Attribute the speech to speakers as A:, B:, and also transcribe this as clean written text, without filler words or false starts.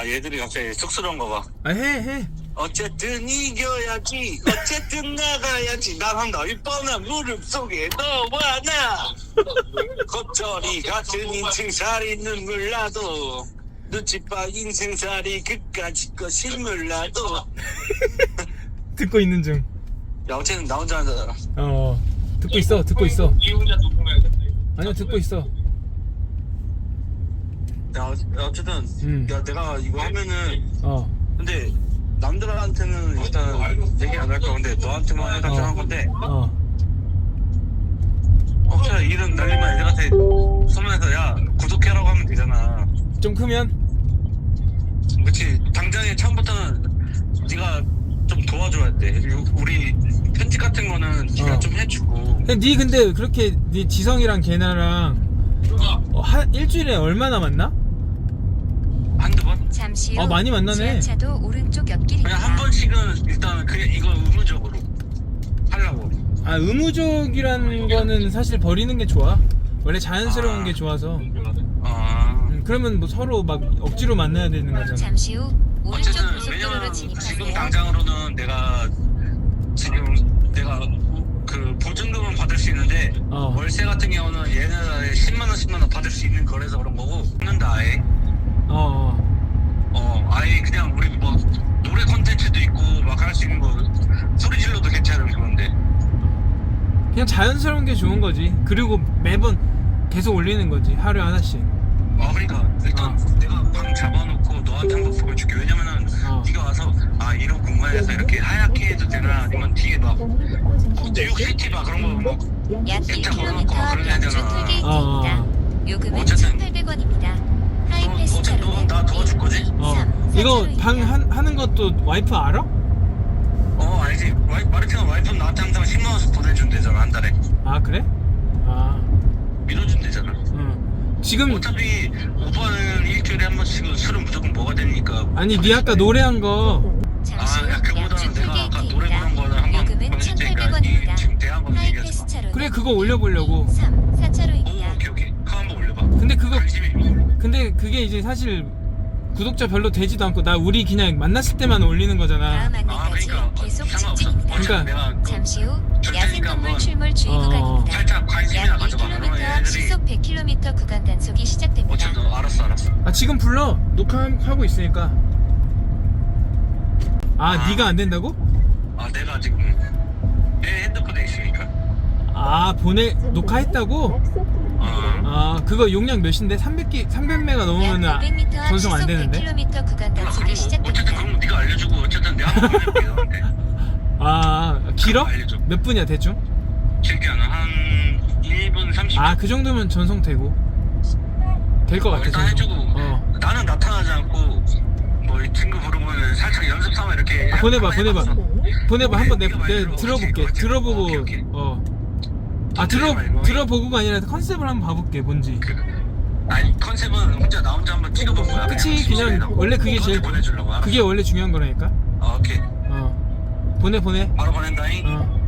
A: 아 얘들이 갑자기 쑥스러운가 봐.
B: 아, 해.
A: 어쨌든 이겨야지. 어쨌든 나가야지. 난 한다. 이 뻔한 무릎 속에 너와 나. 겉절이 같은 인생살이 눈물 나도 눈치봐 인생살이 그까짓 거 실물 나도.
B: 듣고 있는 중.
A: 야 어쨌든 나 혼자 한다.
B: 듣고 있어.
C: 이 혼자 녹음해야겠다.
B: 아니요, 듣고 있어.
A: 야 어쨌든 야 내가 이거 하면은 근데 남들한테는 일단 얘기 안 할 거야. 근데 너한테만 해가지고 한 건데 혹시나 이런 날리면 애들한테 소문에서 야 구독해라고 하면 되잖아.
B: 좀 크면?
A: 그치. 당장에 처음부터는 네가 좀 도와줘야 돼. 우리 편집 같은 거는 네가 좀 해주고.
B: 니 근데 그렇게 니 지성이랑 걔나랑 일주일에 얼마나 만나?
A: 한두 번?
D: 잠시 후
B: 많이 만나네.
D: 지하차도 오른쪽 옆길입니다.
A: 그냥 한 번씩은 일단 그게 이거 의무적으로 하려고.
B: 아, 의무적이라는 거는 사실 버리는 게 좋아. 원래 자연스러운 게 좋아서. 그러면 뭐 서로 막 억지로 만나야 되는 거잖아.
D: 잠시 후 오른쪽
A: 어쨌든
D: 고속도로로
A: 왜냐면 지금
D: 진입하세요.
A: 당장으로는 내가 그 보증금은 받을 수 있는데 월세 같은 경우는 얘네가 10만원 받을 수 있는 거래서 그런 거고 끊는다 아예. 아예 그냥 우리 뭐 노래 콘텐츠도 있고 막 할 수 있는 거 소리 질러도 괜찮은 그건데
B: 그냥 자연스러운 게 좋은 거지. 그리고 매번 계속 올리는 거지. 하루에 하나씩.
A: 그러니까 일단 내가 방 잡아놓고 너한테 한번 보여줄게. 왜냐면은 네가 와서 이런 공간에서 이렇게 하얗게 해도 되나 아니면 뒤에 막 뉴욕시티 막 그런 거막
D: 약
A: 액자
D: 1km
A: 걸어놓고 막
D: 앞
A: 그런 거
D: 양주
A: 하잖아.
D: 톨게이트입니다. 요금은
A: 어쨌든
D: 1,800원입니다. 하이패스
A: 어쨌든
D: 차로는
A: 나 도와줄 거지?
D: 1, 3,
B: 이거
D: 4차로입니다.
B: 방 하는 것도 와이프 알아?
A: 알지. 마르티나 와이프는 나한테 항상 10만원씩 보내준대잖아 한 달에.
B: 아, 그래?
A: 밀어준대잖아.
B: 지금
A: 어차피 오빠는 일주일에 한 번씩은 술은 무조건 먹어야 되니까.
B: 아니 니 아까 노래한 거
D: 잠시 후
A: 야 그거보다는
D: 양주
A: 내가 아까 노래 부른 거는
D: 톨게이트입니다.
A: 한번
D: 요금은
A: 보내줄 테니까
D: 1,800원입니다.
A: 지금 대한 거 얘기하지
D: 하이패스
A: 마.
D: 차로는
B: 그래, 그거 올려보려고.
D: 3,
A: 오
D: 4차로입니다.
A: 오케이 그거 한번 올려봐.
B: 근데 그거
A: 관심이.
B: 근데 그게 이제 사실 구독자 별로 되지도 않고 우리 그냥 만났을 때만 올리는 거잖아.
D: 다음 안내까지
A: 그러니까
D: 계속
A: 상관없어.
D: 직진입니다.
A: 어차피 내가
D: 잠시 후
A: 줄 테니까
D: 야생동물
A: 한번
D: 출몰 주의 구간입니다.
A: 살짝 관심이나
D: 약
A: 가져봐.
D: 1km
A: 그러면
D: 앞
A: 애들이
D: 시속 100km 구간 단속이 시작됩니다.
A: 어쨌든 알았어.
B: 지금 불러. 녹화하고 있으니까. 네가 안 된다고?
A: 내가 지금 내 핸드폰에 있으니까.
B: 녹화했다고? 그거 용량 몇인데? 300메가 넘으면
D: 약 500m 앞
B: 전송 안
D: 시속
B: 되는데?
D: 100km 구간 단속이
A: 어쨌든
D: 시작됩니다.
A: 그럼 네가 알려주고 어쨌든 내가 한번 보내줄게 너한테.
B: 길어?
A: 알려줘.
B: 몇 분이야 대충?
A: 길게 한 1분 30초.
B: 그 정도면 전송되고 될 것 같아.
A: 일단
B: 전송.
A: 해주고 나는 나타나지 않고 뭐 이 친구 부르면 살짝 연습 삼아 이렇게
B: 보내봐. 한번 내가
A: 말대로.
B: 들어볼게.
A: 그렇지.
B: 들어보고
A: 오케이.
B: 들어보고가 아니라 컨셉을 한번 봐볼게. 뭔지.
A: 아니 컨셉은 나 혼자 한번 찍어본 거야.
B: 그치, 그냥 원래 그게
A: 너한테
B: 제일
A: 보내주려고.
B: 그게 원래 중요한 거라니까.
A: 오케이.
B: 보내.
A: 바로 보낸다잉.